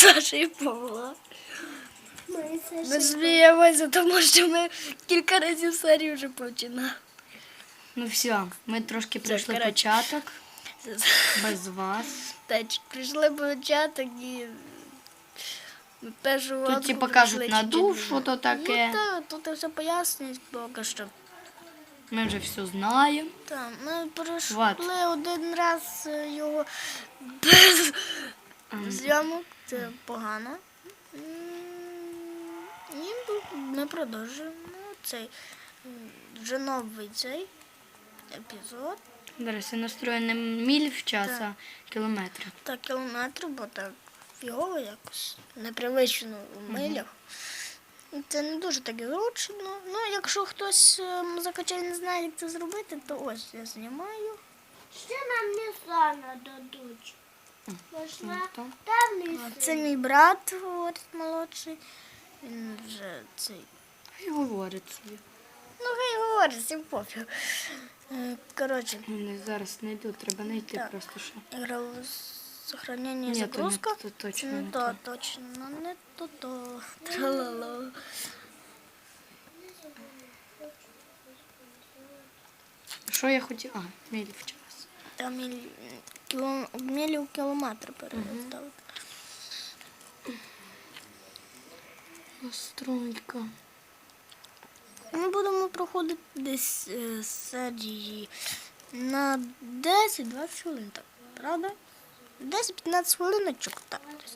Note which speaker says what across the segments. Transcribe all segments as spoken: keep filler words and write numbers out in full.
Speaker 1: Саша і Павла. Ми сміємося, тому що ми кілька разів серію вже починали.
Speaker 2: Ну все, ми трошки пройшли
Speaker 1: коротше.
Speaker 2: початок. Без вас.
Speaker 1: Так, прийшли початок і ми першу
Speaker 2: Тут
Speaker 1: лодку
Speaker 2: типа
Speaker 1: пройшли
Speaker 2: кажуть на
Speaker 1: чуть-чуть
Speaker 2: душу,
Speaker 1: вже.
Speaker 2: то таке.
Speaker 1: Ну так, тут все пояснюють поки що.
Speaker 2: Ми вже все знаємо.
Speaker 1: Так, ми пройшли
Speaker 2: Вот.
Speaker 1: один раз е, його без зйомок, це погано. М, І ми продовжуємо цей м, вже новий цей епізод.
Speaker 2: Зараз я настрою не міль в час,
Speaker 1: Так.
Speaker 2: а кілометри.
Speaker 1: Так, кілометрів, бо так фігово якось, непривично в милях. І це не дуже так і зручно. Ну, якщо хтось ем, закачає не знає, як це зробити, то ось я знімаю.
Speaker 3: Ще нам не сана дадуть. Можна
Speaker 2: то.
Speaker 3: темний
Speaker 1: А, Це мій брат, говорить, молодший. Він вже цей.
Speaker 2: І говорить собі.
Speaker 1: Ну, хай говорить, всім пофіг. Е, Коротше,
Speaker 2: Вони зараз не йдуть, треба знайти
Speaker 1: Так.
Speaker 2: просто що.
Speaker 1: ігрове сохранення і
Speaker 2: Ні, то не
Speaker 1: загрузка.
Speaker 2: то, точно
Speaker 1: не
Speaker 2: не
Speaker 1: то,
Speaker 2: то.
Speaker 1: точно, не то, то. Тралала.
Speaker 2: Що я хотіла? А, міль в час.
Speaker 1: Там міль... кіло... мілі у кілометр переставити.
Speaker 2: Настройка.
Speaker 1: Ми будемо проходити десь е, серії на десять-двадцять хвилин, так, правда? десять-п'ятнадцять хвилиночок, так. десь.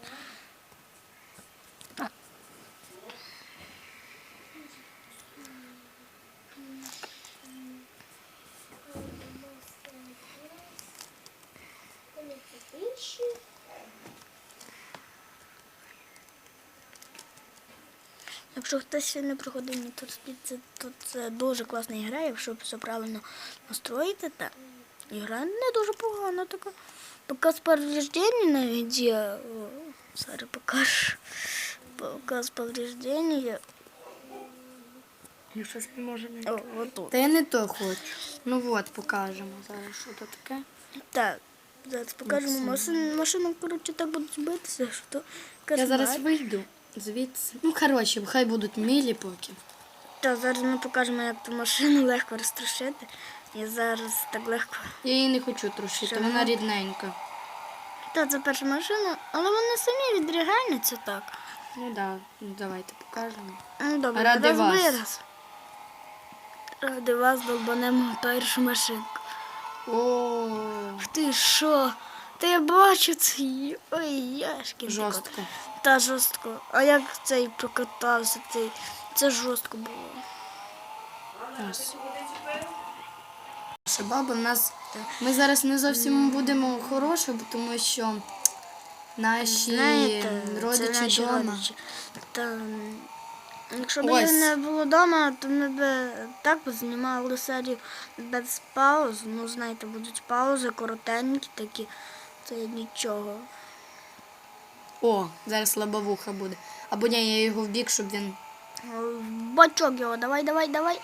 Speaker 1: Якщо хтось ще не проходив Need for Speed, це, то це дуже класна гра, якщо все правильно настроїти, та гра не дуже погана така. Показ повреждений навіть є. О, зараз покажу. Показ повреждений.
Speaker 2: Я щось не можу знайти.
Speaker 1: О, отут.
Speaker 2: Та я не то хочу. Ну от, покажемо зараз, що це таке.
Speaker 1: Так, зараз покажемо машину. Машину, коротше, так будуть битися, що то
Speaker 2: Я зараз
Speaker 1: кошмар.
Speaker 2: вийду звідси. Ну, коротше, хай будуть мілі поки.
Speaker 1: Так, зараз ми покажемо, як ту машину легко розтрощити. Я зараз так легко.
Speaker 2: Я її не хочу трушити,
Speaker 1: Що,
Speaker 2: вона
Speaker 1: ну?
Speaker 2: рідненька.
Speaker 1: Так, це перша машина, але вони самі відріганяться так.
Speaker 2: Ну так, да. Давайте покажемо.
Speaker 1: Ну, добре,
Speaker 2: Ради
Speaker 1: раз
Speaker 2: вас.
Speaker 1: вираз. Ради вас долбанемо першу машинку.
Speaker 2: О,
Speaker 1: Ти що? Та я бачу це. Ой, яшки.
Speaker 2: жорстко.
Speaker 1: Та жорстко. А як цей прокатався, цей. Це жорстко було.
Speaker 2: Ось. Наша баба в нас. Ми зараз не зовсім будемо хороші, бо тому що наші
Speaker 1: Знаєте, це
Speaker 2: родичі
Speaker 1: наші
Speaker 2: вдома.
Speaker 1: родичі. Та, м, якщо б
Speaker 2: Ось.
Speaker 1: їх не було вдома, то ми б так би знімали серію без пауз. Ну, знаєте, будуть паузи коротенькі такі, це нічого.
Speaker 2: О, зараз лобовуха буде. Або ні, я його в бік, щоб він.
Speaker 1: В бачок його, давай, давай, давай.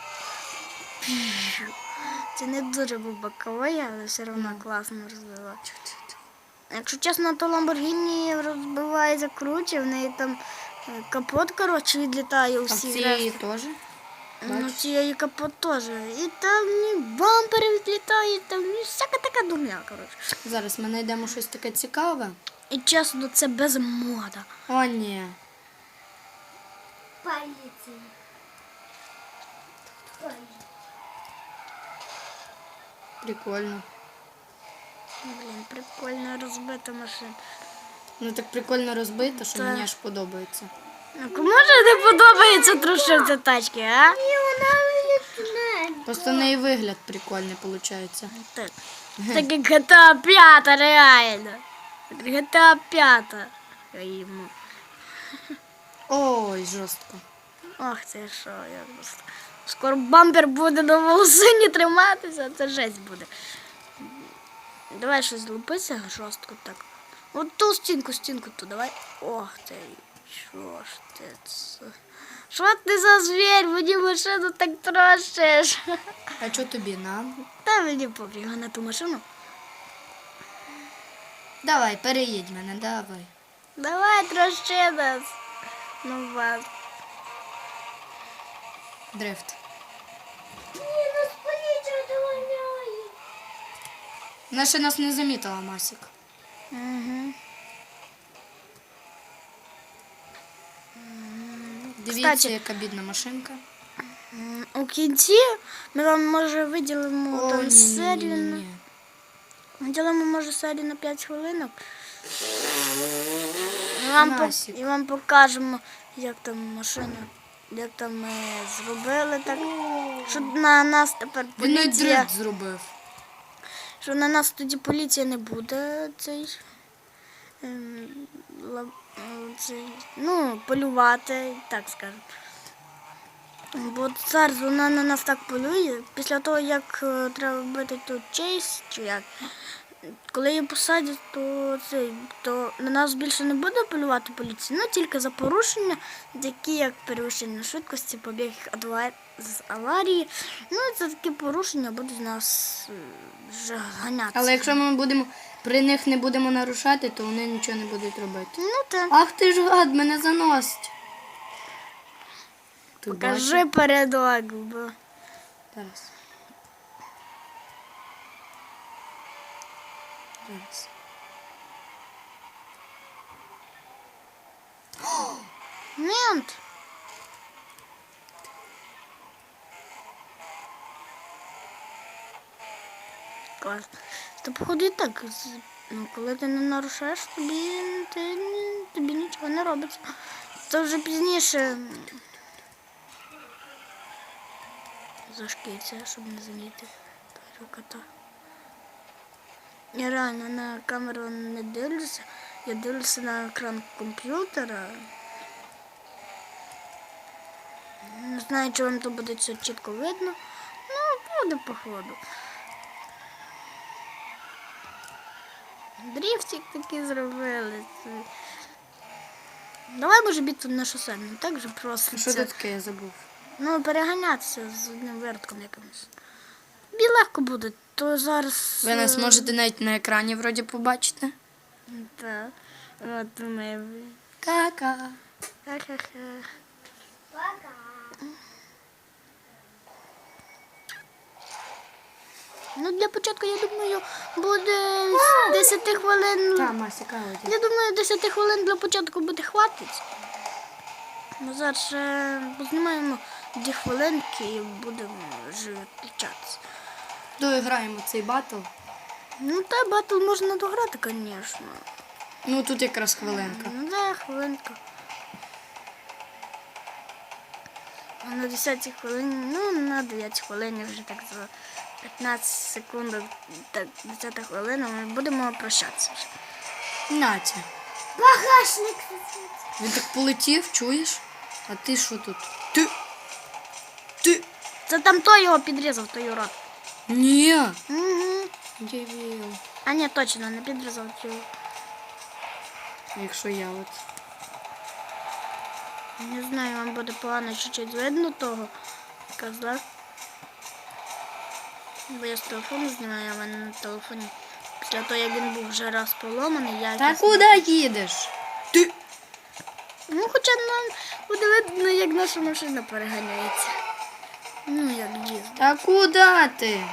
Speaker 1: Це не дуже був боковий, але все одно класно розбивав. Якщо чесно, то Lamborghini розбивається круче, в неї там е, капот, коротше, відлітає у
Speaker 2: А в
Speaker 1: всіх
Speaker 2: цієї
Speaker 1: рештах.
Speaker 2: теж.
Speaker 1: Ну,
Speaker 2: Бачиш?
Speaker 1: цієї капот теж. І там і бампери відлітають, там і всяка така дурня, коротше.
Speaker 2: Зараз ми знайдемо щось таке цікаве.
Speaker 1: І чесно, це без мода.
Speaker 2: О, ні.
Speaker 3: поліції.
Speaker 2: Прикольно.
Speaker 1: Блін, прикольно розбита машина.
Speaker 2: Ну так прикольно розбито, що
Speaker 1: Так.
Speaker 2: мені аж подобається.
Speaker 1: А кому ж не подобається трушити тачки, а?
Speaker 3: І вона відтне.
Speaker 2: Просто в неї вигляд прикольний виходить.
Speaker 1: Так. Так як джі ті ей п'ять, реально. джі ті ей п'ять. Йому.
Speaker 2: Ой, жорстко.
Speaker 1: Ох, це що, я просто... Скоро бампер буде на волосині триматися, це жесть буде. Давай щось злупися жорстко так. От ту стінку, стінку ту, давай. Ох ти, що ж ти це? Що ти за звір? Мені машину так трощиш.
Speaker 2: А що тобі на?
Speaker 1: Та мені пофіг на ту машину.
Speaker 2: Давай, переїдь мене, давай.
Speaker 1: Давай, трощи нас. Ну вас.
Speaker 2: Дрифт.
Speaker 3: Ні, нас поліція доганяє.
Speaker 2: Вона ще нас не замітила, Масік.
Speaker 1: Угу.
Speaker 2: Дивіться,
Speaker 1: Кстати.
Speaker 2: яка бідна машинка.
Speaker 1: У кінці ми вам може виділимо
Speaker 2: О,
Speaker 1: там
Speaker 2: ні, ні,
Speaker 1: серію.
Speaker 2: ні,
Speaker 1: на-
Speaker 2: ні.
Speaker 1: Виділимо може серію на п'ять хвилинок. І вам, по-
Speaker 2: Насік.
Speaker 1: і вам покажемо, як там машина, як там ми зробили так. Що на нас тепер
Speaker 2: Він навіть
Speaker 1: поліція.
Speaker 2: дрифт зробив.
Speaker 1: Що на нас тоді поліція не буде цей, ем, ла- е, цей ну, полювати, так скажемо. Бо зараз вона на нас так полює, після того, як е, треба робити тут чейс, чи як, коли її посадять, то, цей, то на нас більше не буде полювати поліція, ну тільки за порушення, такі як перевищення швидкості, побіг адва- з аварії. Ну, це такі порушення будуть нас е, вже ганятися.
Speaker 2: Але якщо ми будемо при них не будемо нарушати, то вони нічого не будуть робити.
Speaker 1: Ну так.
Speaker 2: Ах ти ж гад, мене заносить. Ти
Speaker 1: Покажи
Speaker 2: бачиш?
Speaker 1: передок, бо
Speaker 2: Зараз. Зараз.
Speaker 1: мент. Клас. Та походу і так, з- ну, коли ти не нарушаєш, тобі, ти, тобі нічого не робиться. Це вже пізніше зашкіться, щоб не замітити кота. Я реально на камеру не дивлюся, я дивлюся на екран комп'ютера. Не знаю, чи вам то буде все чітко видно. Ну, буде походу. Дрифтик такий зробили. Давай може бігти на шосе, не так же просто.
Speaker 2: Що
Speaker 1: це.
Speaker 2: це таке, я забув.
Speaker 1: Ну, переганятися з одним вертком якимось. Тобі легко буде, то зараз.
Speaker 2: Ви нас
Speaker 1: е,
Speaker 2: можете навіть на екрані вроді побачити.
Speaker 1: Так. От ми.
Speaker 2: Ка-ка.
Speaker 1: Ха-ха-ха.
Speaker 3: Пока.
Speaker 1: Ну, для початку, я думаю, буде десять хвилин.
Speaker 2: Та, Мася, кава.
Speaker 1: Я думаю, десять хвилин для початку буде хватить. Ми зараз ще познімаємо дві хвилинки і будемо вже відключатися.
Speaker 2: Доіграємо цей батл.
Speaker 1: Ну, та батл можна дограти, звісно.
Speaker 2: Ну тут якраз хвилинка.
Speaker 1: Ну, да, хвилинка. А на десятій хвилині, ну, на дев'ятій хвилині вже так за п'ятнадцять секунд, так, десята хвилина, ми будемо прощатися вже.
Speaker 2: Натя.
Speaker 3: Багажник.
Speaker 2: Він так полетів, чуєш? А ти що тут? Ти. Ти.
Speaker 1: Це там той його підрізав, той урод.
Speaker 2: Ні.
Speaker 1: Угу.
Speaker 2: Дівіл.
Speaker 1: А ні, точно, не підрізав його.
Speaker 2: Якщо я от.
Speaker 1: Не знаю, вам буде погано чуть-чуть видно того козла. Бо я з телефону знімаю, а в мене на телефоні. Після того, як він був вже раз поломаний, я
Speaker 2: Та куди їдеш? Ти.
Speaker 1: Ну, хоча нам буде видно, як наша машина переганяється. Ну, як їздить.
Speaker 2: Та куди ти?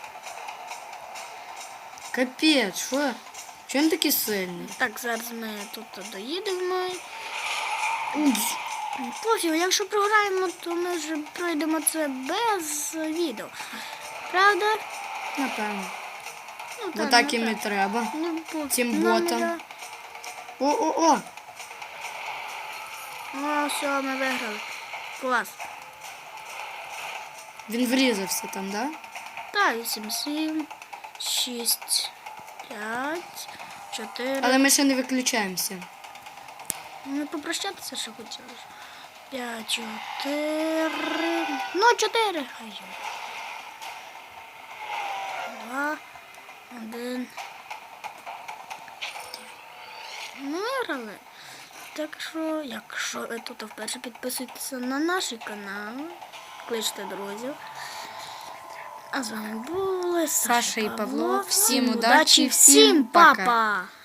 Speaker 2: Капець, що? Чим такий сильний?
Speaker 1: Так, зараз ми тут доїдемо. Пофіг, якщо програємо, то ми вже пройдемо це без відео. Правда?
Speaker 2: Напевно.
Speaker 1: Ну,
Speaker 2: Бо
Speaker 1: та,
Speaker 2: так
Speaker 1: ну,
Speaker 2: їм і
Speaker 1: так.
Speaker 2: треба.
Speaker 1: Ну, пофіг.
Speaker 2: Цим
Speaker 1: Нам
Speaker 2: ботам.
Speaker 1: не
Speaker 2: О-о-о!
Speaker 1: да- О, все, ми виграли. Клас.
Speaker 2: Він врізався там, да?
Speaker 1: Так, вісім, сім, шість, п'ять, чотири.
Speaker 2: Але ми ще не виключаємося.
Speaker 1: Ну, попрощатися ще хотілося. П'ять, чотири. Ну, чотири. Хай. Два, один. Ми виграли. Так що, якщо ви тут вперше підписуйтеся на наш канал, кличте друзів. А з вами були
Speaker 2: Саша і Павло. Всім
Speaker 1: Всім
Speaker 2: удачі, всім
Speaker 1: всім
Speaker 2: пока.
Speaker 1: папа!